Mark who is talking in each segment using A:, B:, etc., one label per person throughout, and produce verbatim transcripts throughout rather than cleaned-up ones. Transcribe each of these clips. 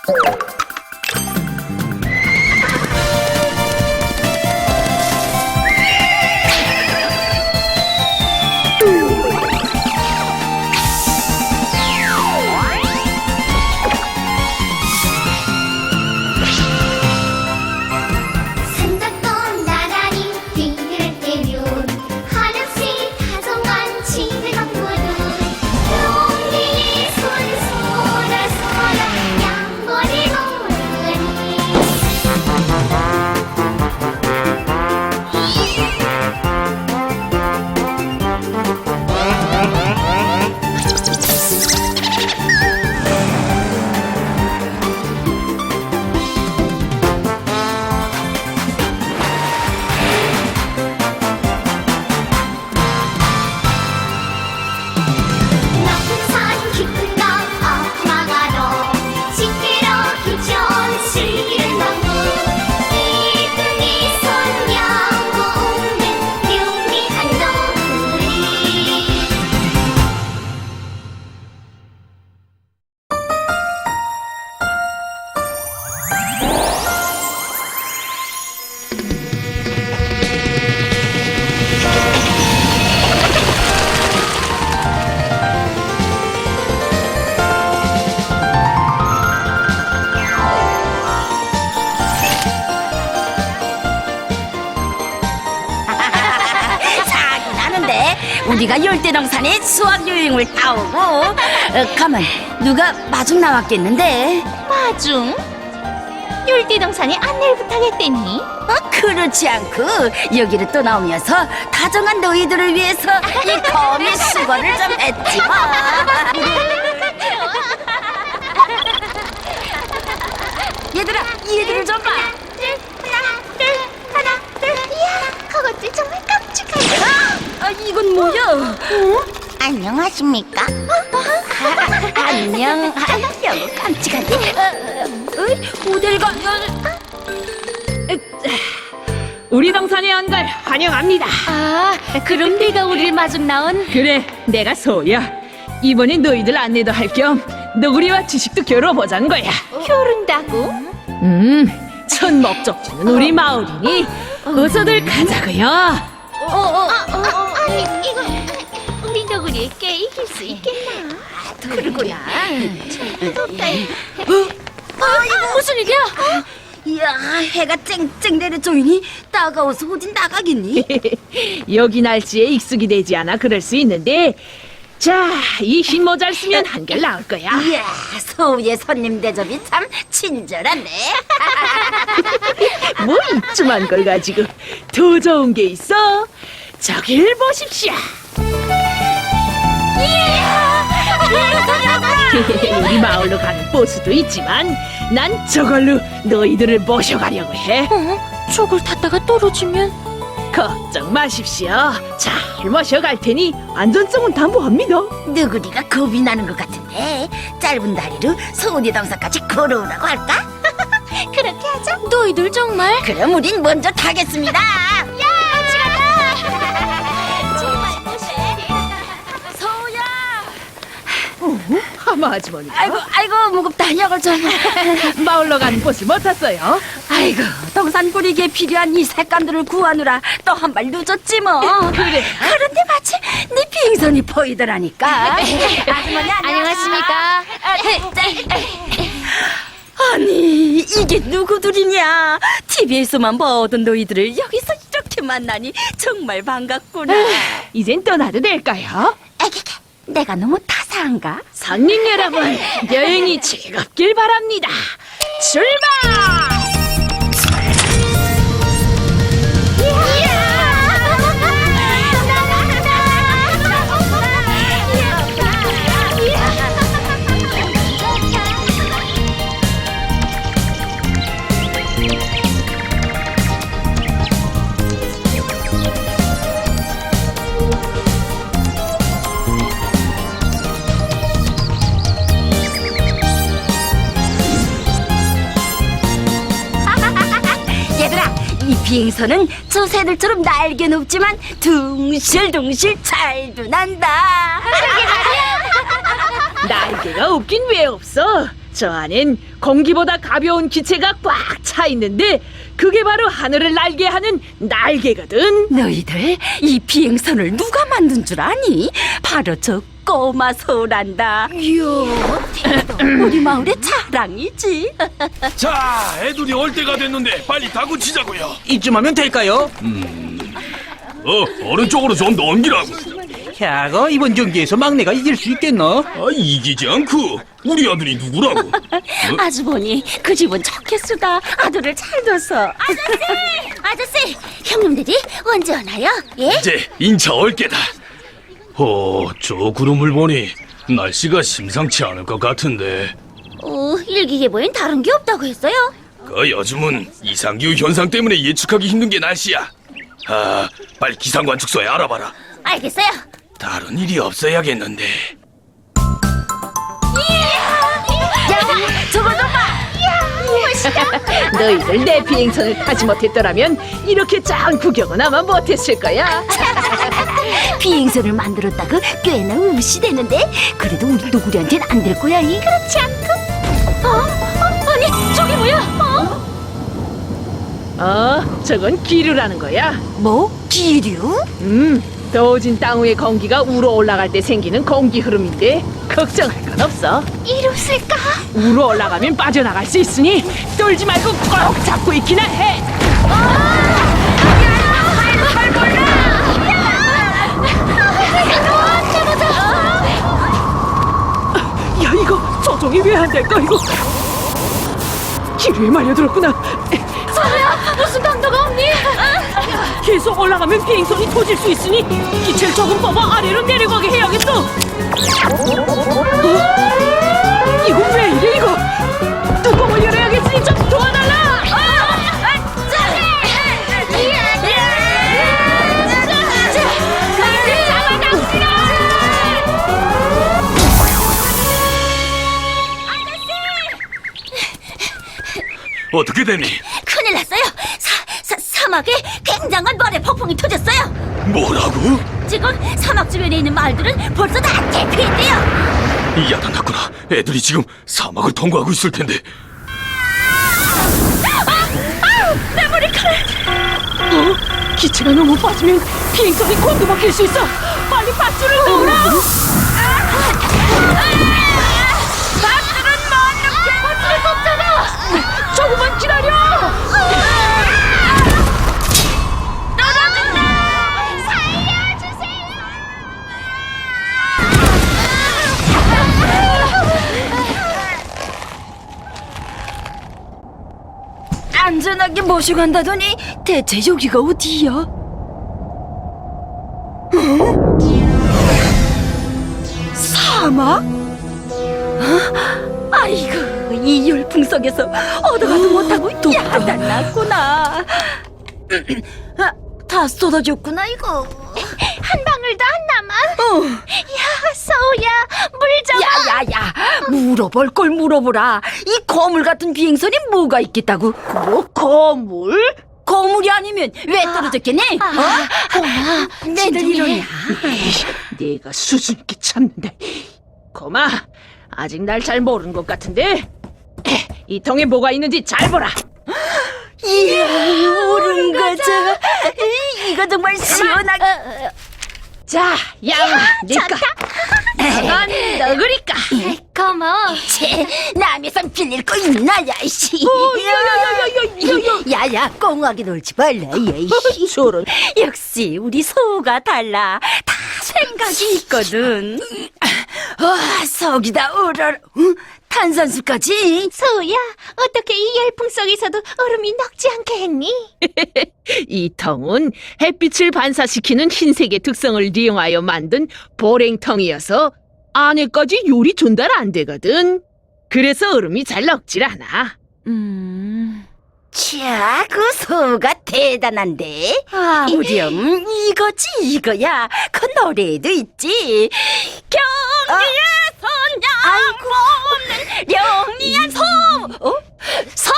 A: 우리가 열대동산에 수학여행을 다 오고 어, 가만, 누가 마중 나왔겠는데?
B: 마중? 열대동산에 안내를 부탁했대니?
A: 어, 그렇지 않고 여기를 또 나오면서 다정한 너희들을 위해서 이 거미 수거를 좀 했지 뭐. 얘들아, 얘들을 좀 봐.
B: 하나, 둘, 하나, 둘. 이야, 그것들 정말 깜찍하다.
A: 아, 이건 뭐야?
B: 어? 안녕하십니까?
A: 아, 안녕. 아유, 깜찍한데. 어, 어, 모델 가.
C: 우리 동산에 온 걸 환영합니다.
B: 아, 그럼 네가 우리를 마중 나온?
C: 그래, 내가 소야. 이번엔 너희들 안내도 할 겸 너구리와 지식도 겨뤄보자는 거야.
B: 겨룬다고?
C: 음, 첫 목적지는 우리 마을이니 어서들 가자고요.
B: 어, 어, 어, 어, 아니, 이거 우리 너구리에게 이길 수 있겠나?
A: 그러구나.
B: 해볼까요?
A: 어, 이거 무슨 일이야? 이야, 해가 쨍쨍 내려 조이니 따가워서 어디 나가겠니?
C: 여기 날씨에 익숙이 되지 않아 그럴 수 있는데, 자, 이 흰 모자를 쓰면 한결 나을 거야.
A: 이야, 서우의 손님 대접이 참 친절하네.
C: 뭐 이쯤한 걸 가지고 더 좋은 게 있어. 저길 보십시오. 우리 마을로 가는 버스도 있지만 난 저걸로 너희들을 모셔가려고 해.
B: 어? 저걸 탔다가 떨어지면?
C: 걱정 마십시오. 잘 모셔갈 테니 안전성은 담보합니다.
A: 너구리가 겁이 나는 것 같은데 짧은 다리로 서우의 동산까지 걸어오라고 할까?
B: 그렇게 하자. 너희들 정말?
A: 그럼 우린 먼저 타겠습니다.
B: 야, 같이 가자. 정말 멋있네.
A: 서우야.
C: 하마 아주머니가
A: 아이고, 아이고, 무겁다. 약을 좀.
C: 마을로 가는 버스 못 탔어요.
A: 아이고, 동산 꾸리기에 필요한 이 색감들을 구하느라 또 한 발 늦었지 뭐.
C: 그래.
A: 그런데 마침 네 비행선이 보이더라니까. 아주머니
B: 안녕하십니까?
A: 아니, 이게 누구들이냐? 티비에서만 보던 너희들을 여기서 이렇게 만나니 정말 반갑구나.
C: 이젠 떠나도 될까요?
A: 에게게, 내가 너무 타사한가?
C: 손님 여러분, 여행이 즐겁길 바랍니다. 출발!
A: 얘들아, 이 비행선은 저 새들처럼 날개는 없지만 둥실둥실 잘도 난다.
C: 날개가 없긴 왜 없어? 저 안엔 공기보다 가벼운 기체가 꽉 차 있는데 그게 바로 하늘을 날게 하는 날개거든.
A: 너희들 이 비행선을 누가 만든 줄 아니? 바로 저 꼬마 소란다. 이야, 우리 마을의 자랑이지.
D: 자, 애들이 올 때가 됐는데 빨리 타고 치자고요.
E: 이쯤 하면 될까요?
D: 어, 오른쪽으로 좀 넘기라고.
E: 야거 이번 경기에서 막내가 이길 수 있겠나?
D: 아, 이기지 않고 우리 아들이 누구라고? 어?
A: 아주 보니 그 집은 좋겠수다. 아들을 잘 둬서.
B: 아저씨! 아저씨! 형님들이 언제 오나요? 예?
D: 이제 인차 올 게다. 어, 저 구름을 보니 날씨가 심상치 않을 것 같은데.
B: 어, 일기예보엔 다른 게 없다고 했어요.
D: 그 요즘은 이상기후 현상 때문에 예측하기 힘든 게 날씨야. 아, 빨리 기상관 축소에 알아봐라.
B: 알겠어요.
D: 다른 일이 없어야겠는데.
A: 야, 저거 좀 봐.
C: 너희들 내 비행선을 타지 못했더라면 이렇게 작은 구경은 아마 못했을 거야.
A: 비행선을 만들었다고 꽤나 우시대는데 그래도 우리 노구리한테는 안 될 거야. 이
B: 그렇지 않고? 어? 어? 아니, 저게 뭐야? 어?
C: 어, 저건 기류라는 거야.
A: 뭐? 기류?
C: 음, 더워진 땅 위의 공기가 우러 올라갈 때 생기는 공기 흐름인데 걱정할 건 없어.
B: 이rus을까?
C: 우러 올라가면 빠져나갈 수 있으니 떨지 말고 꼭 잡고 있기나 해. 야, 이거 조종이 왜 안 될까 이거? 기류에 말려들었구나.
B: 서우야, 무슨 강도가 없니?
C: 계속 올라가면 비행선이 터질 수 있으니 기체를 조금 뽑아 아래로 내려가게 해야겠어. 어? 이거 왜 이래 이거? 뚜껑을 열어야겠으니 좀 도와달라.
D: 어떻게 되니?
B: 큰일 났어요. 사, 사, 사막에 굉장한 모래 폭풍이 터졌어요.
D: 뭐라고?
B: 지금 사막 주변에 있는 마을들은 벌써 다 대피했대요.
D: 야단났구나. 애들이 지금 사막을 통과하고 있을 텐데.
B: 내 머리카락!
C: 어? 기체가 너무 빠지면 비행선이 곤두 막힐 수 있어. 빨리 밧줄을 놓으라.
B: 밧줄은 못 놓게 밧줄을 꼽잖아.
C: 조금만 기다려.
A: 안전하게 모시고 간다더니 대체 여기가 어디야? 어? 사막? 어? 아이고, 이 열풍석에서 얻어가도 못하고 야단났구나. 아, 다 쏟아졌구나 이거.
B: 한 방울도 안 남아.
A: 어.
B: 야, 서우야, 물 좀.
A: 야야야, 물어볼 걸 물어보라. 이 거물 같은 비행선이 뭐가 있겠다고? 뭐 거물? 거물이 아니면 왜 떨어졌겠니? 어? 내들 이러냐?
C: 내가 수줍게 참는다. 고마, 아직 날 잘 모르는 것 같은데 이 통에 뭐가 있는지 잘 보라.
A: 이야, 모르는 거죠. 이거 정말 시원하게.
C: 자, 양아, 니까 난 너구리까.
B: 고마워.
A: 쟤, 남에선 빌릴 거 있나, 야이씨.
C: 야야야야야야야.
A: 야야, 꽁하게 놀지 말라, 야이씨.
C: 저런.
A: 역시 우리 소가 달라. 다 생각이 있거든. 아, 속이다 우러러. 응? 탄산수까지?
B: 서우야, 어떻게 이 열풍 속에서도 얼음이 녹지 않게 했니?
C: 이 통은 햇빛을 반사시키는 흰색의 특성을 이용하여 만든 보랭통이어서 안에까지 열이 전달 안 되거든. 그래서 얼음이 잘 녹질 않아.
A: 음. 자, 그 소가 대단한데.
B: 아,
A: 우렴, 이거지, 이거야. 그 노래에도 있지. 경리의 선양 없는 영리한 소. 어? 소.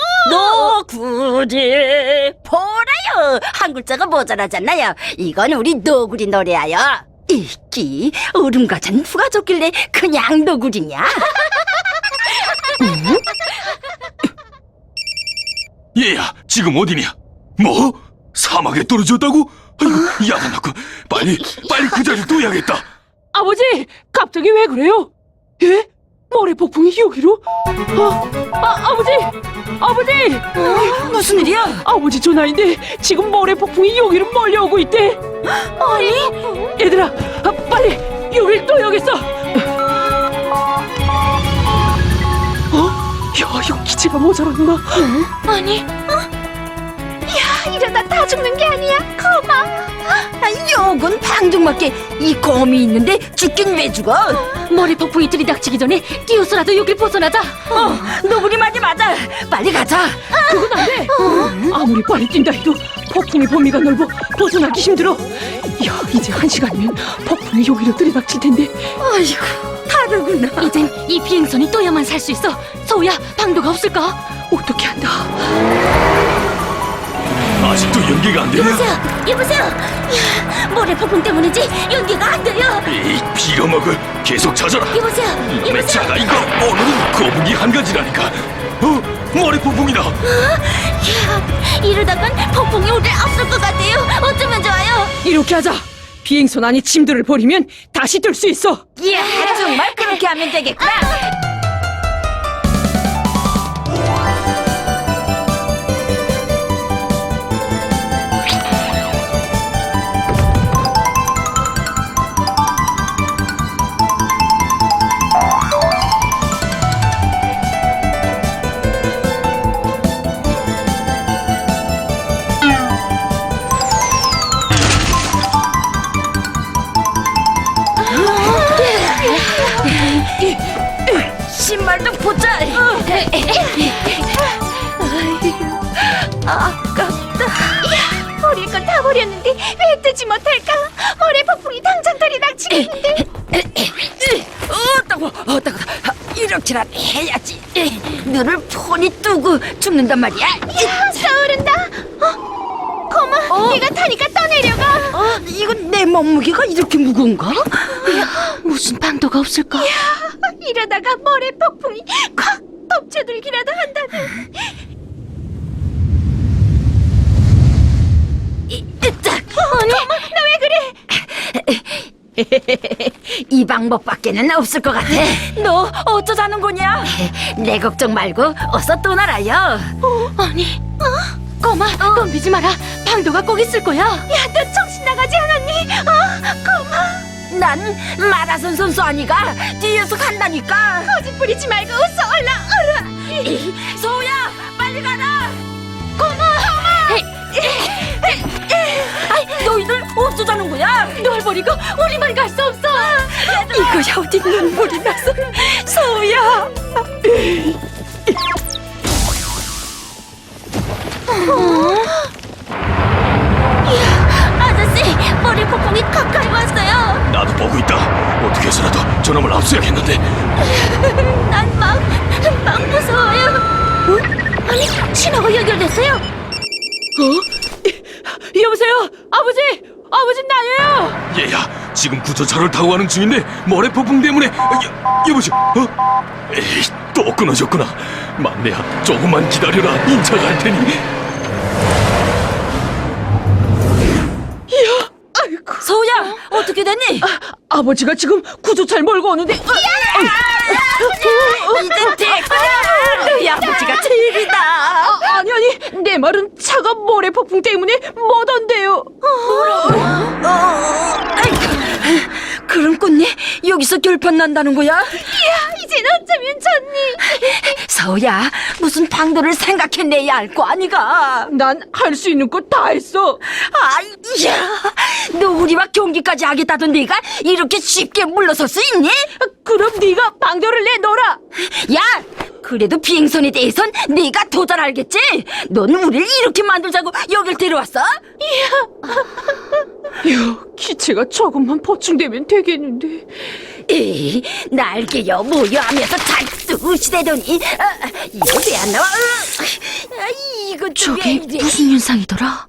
A: 노구리 보라요. 한 글자가 모자라잖아요. 이건 우리 노구리 노래야요. 이끼 얼음과 잔 누가 줬길래 그냥 노구리냐?
D: 얘야, 지금 어디냐? 뭐? 사막에 떨어졌다고? 아이고, 야단났고. 빨리, 빨리 그 자리를 둬야겠다.
C: 아버지, 갑자기 왜 그래요? 예? 모래 폭풍이 여기로? 아, 아 아버지, 아버지,
A: 무슨 일이야?
C: 아버지 전화인데 지금 모래 폭풍이 여기로 몰려오고 있대.
A: 아니?
C: 얘들아, 아, 빨리 여길 떠야겠어. 어? 야, 이거 기체가 모자란다.
B: 아니, 어? 야, 이러다 다 죽는 게 아니야. 거마.
A: 아, 요건 방정맞게 이 검이 있는데 죽긴 왜 죽어?
B: 머리 폭풍이 들이닥치기 전에 뛰어서라도 여길 벗어나자.
A: 어, 너구리 말이 맞아. 빨리 가자.
C: 그건 안 돼. 아무리 빨리 뛴다 해도 폭풍의 범위가 넓어 벗어나기 힘들어. 야, 이제 한 시간이면 폭풍이 여기로 들이닥칠 텐데.
A: 아이고, 다르구나.
B: 이젠 이 비행선이 떠야만 살 수 있어. 서우야, 방도가 없을까?
C: 어떻게 한다.
D: 아직도 연기가 안 되냐?
B: 여보세요, 여보세요. 야, 모래 폭풍 때문인지 연기가 안 돼요.
D: 이 빌어먹을 계속 찾아라.
B: 여보세요,
D: 놈의
B: 여보세요.
D: 자가 이거 오늘은 거북이 한 가지라니까. 어? 머리 폭풍이다.
B: 야, 이러다간 폭풍이 오늘 없을 것 같아요. 어쩌면 좋아요.
C: 이렇게 하자. 비행선 안에 짐들을 버리면 다시 뜰 수 있어.
A: 이야, 정말 그렇게 하면 되겠구나. 신발도 보자.
B: 아깝다. 야, 버릴 건 다 버렸는데 왜 뜨지 못할까? 모래 폭풍이 당장 들이닥치겠는데.
A: 어, 따고, 어, 따고. 이렇게라도 해야지. 눈을 폰이 뜨고 죽는단 말이야.
B: 야, 서오른다. 어? 거마, 네가 타니까 떠내려가.
A: 어, 이건 내 몸무게가 이렇게 무거운가?
B: 무슨 방도가 없을까? 야, 이러다가 모래 폭풍이 콱 덮쳐들기라도 한다면.
A: 이, 으짜.
B: 아니, 너 왜 그래?
A: 이 방법밖에는 없을 것 같아. 너 어쩌자는 거냐? 내 걱정 말고 어서 떠나라요.
B: 아니, 어? 거마, 덤비지 마라. 방도가 꼭 있을 거야. 야, 너 정신 나가지 않았니? 어, 거마.
A: 난 마라손 선수 아니가 뒤에서 간다니까.
B: 거짓 부리지 말고 어서 얼라 얼라.
A: 소우야, 빨리 가라.
B: 거마, 거마.
A: 아이, 너희들 어쩌자는 거야?
B: 널 버리고 우리만 갈 수 없어.
A: 이거야 어디 눈물이 나서. 소우야.
B: 아저씨, 머리 폭풍이 가까이 왔어요.
D: 나도 보고 있다. 어떻게 해서라도 저놈을 압수해야겠는데.
B: 난 막, 막 무서워요. 어? 아니, 신호가 연결됐어요.
C: 어? 여보세요, 아버지, 아버지 나예요.
D: 얘야, 지금 구조차를 타고 가는 중인데 머리 폭풍 때문에. 여, 여보세요. 어? 에이, 또 끊어졌구나. 막내야, 조금만 기다려라. 인차 갈 테니.
C: 아이고,
A: 소우야, 어떻게 됐니?
C: 아버지가 지금 구조차를 몰고 오는데.
A: 이젠 됐구나. 너희 아버지가 제일이다.
C: 아, 아니 아니, 내 말은 차가 모래 폭풍 때문에 못 온대요.
A: 어, 아이고, 그럼 꽃니 여기서 결판 난다는 거야?
B: 야, 이젠 어쩌면 좋니?
A: 서우야, 무슨 방도를 생각해내야 할 거 아니가?
C: 난 할 수 있는 거 다 했어.
A: 아이야, 너 우리와 경기까지 하겠다던 네가 이렇게 쉽게 물러설 수 있니?
C: 그럼 네가 방도를 내놓으라.
A: 야, 그래도 비행선에 대해선 네가 더 잘 알겠지? 넌 우리를 이렇게 만들자고 여길 데려왔어?
C: 야, 기체가 조금만 보충되면 되겠는데.
A: 에이, 날개여 뭐여 하면서 잘 쑤시대더니. 아, 이거 왜 안 나와? 아, 이거
B: 저게 무슨 현상이더라?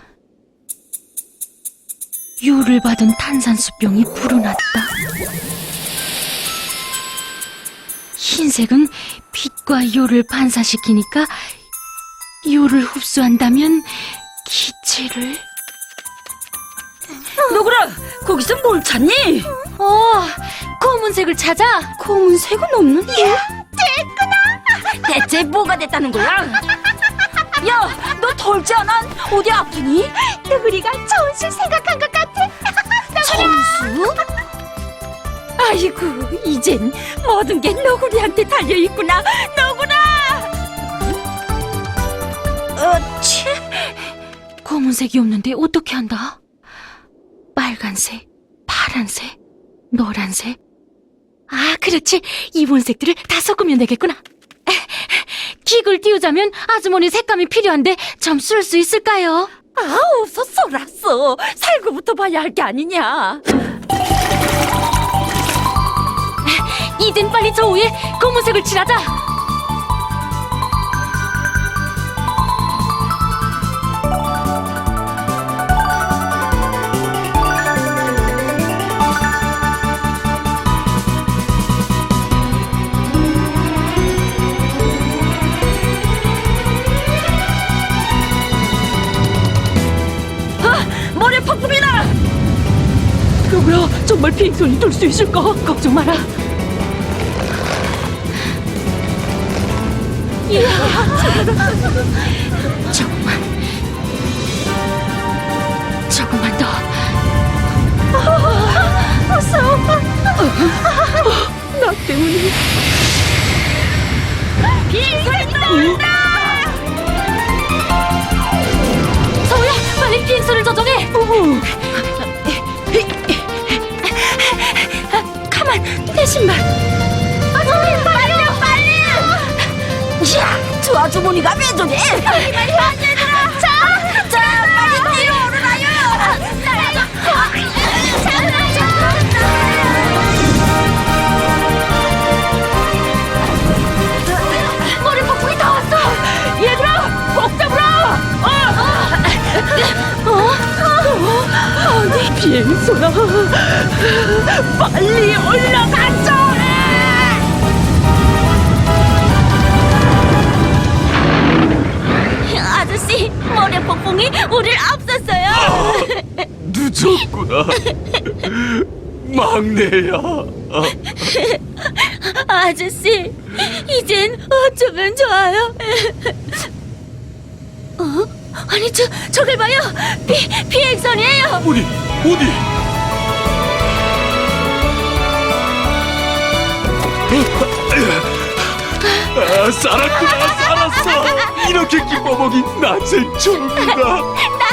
B: 유를 받은 탄산수병이 불어났다. 흰색은 빛과 요를 반사시키니까 요를 흡수한다면 기체를...
A: 너구라, 거기서 뭘 찾니?
B: 어, 검은색을 찾아.
A: 검은색은 없는데. 됐구나. 대체 뭐가 됐다는 거야? 야, 너 덜지 않아? 어디 아프니?
B: 너구리가 전술 생각한 것 같아.
A: 전수? 아이고, 이젠 모든 게 너구리한테 달려있구나. 너구라! 어치.
B: 검은색이 없는데 어떻게 한다? 빨간색, 파란색, 노란색. 아, 그렇지. 이본색들을 다 섞으면 되겠구나. 기구를 띄우자면 아주머니 색감이 필요한데 좀 쓸 수 있을까요?
A: 아, 어서 쏘랐어. 살구부터 봐야 할 게 아니냐.
B: 이젠 빨리 저 위에 검은색을 칠하자.
A: 머리 폭풍이다.
B: 누구야? 정말 비행선이 돌 수 있을까? 걱정 마라. 이야, 조금만, 조금만 더. 어서. 나 때문에.
A: 비행선이 떠온다.
B: 서우야, 빨리 비행선을 조정해. 가만, 내 신발. 아주머니, 빨리요, 빨리.
A: 야, 저 아주머니가 왜 저래? 빨리 빨리 안 얘들아. 자, 자, 빨리 뒤로 오르라요.
B: 머리 폭풍이 다 왔어. 얘들아, 복 잡으라. 어? 어? 아니, 비행선아, 빨리 올라가자. 아저씨, 머리 폭풍이 우리를 앞섰어요.
D: 늦었구나. 막내야.
B: 아저씨, 이젠 어쩌면 좋아요? 어? 아니, 저, 저길 봐요. 비, 비행선이에요.
D: 어디? 어디? 아, 살았구나, 살았어. 이렇게 기뻐 먹인 낮은 처음이다.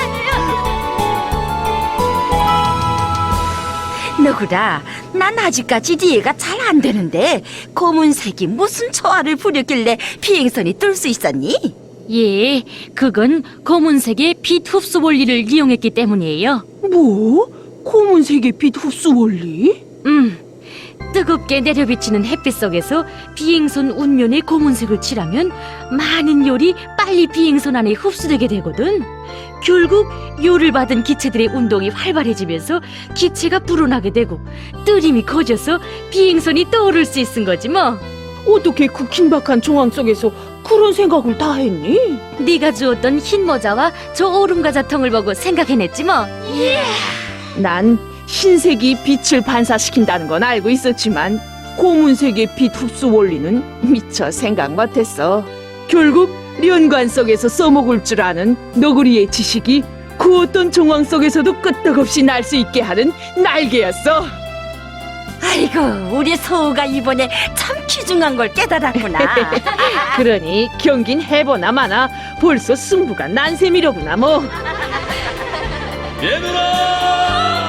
A: 너구라, 난 아직까지 이해가 잘 안 되는데 검은색이 무슨 초화를 부렸길래 비행선이 뜰 수 있었니?
B: 예, 그건 검은색의 빛 흡수 원리를 이용했기 때문이에요.
C: 뭐? 검은색의 빛 흡수 원리?
B: 음, 뜨겁게 내려비치는 햇빛 속에서 비행선 운면에 검은색을 칠하면 많은 열이 빨리 비행선 안에 흡수되게 되거든. 결국 열을 받은 기체들의 운동이 활발해지면서 기체가 불어나게 되고 뜨림이 커져서 비행선이 떠오를 수 있은 거지 뭐.
C: 어떻게 그 긴박한 정황 속에서 그런 생각을 다 했니?
B: 네가 주었던 흰 모자와 저 얼음 과자통을 보고 생각해냈지 뭐.
C: 난 흰색이 빛을 반사시킨다는 건 알고 있었지만 검은색의 빛 흡수 원리는 미처 생각 못했어. 결국 연관 속에서 써먹을 줄 아는 너구리의 지식이 그 어떤 정황 속에서도 끄떡없이 날 수 있게 하는 날개였어.
A: 아이고, 우리 서우가 이번에 참 귀중한 걸 깨달았구나.
C: 그러니 경긴 해보나 마나 벌써 승부가 난 셈이로구나 뭐.
D: 얘들아!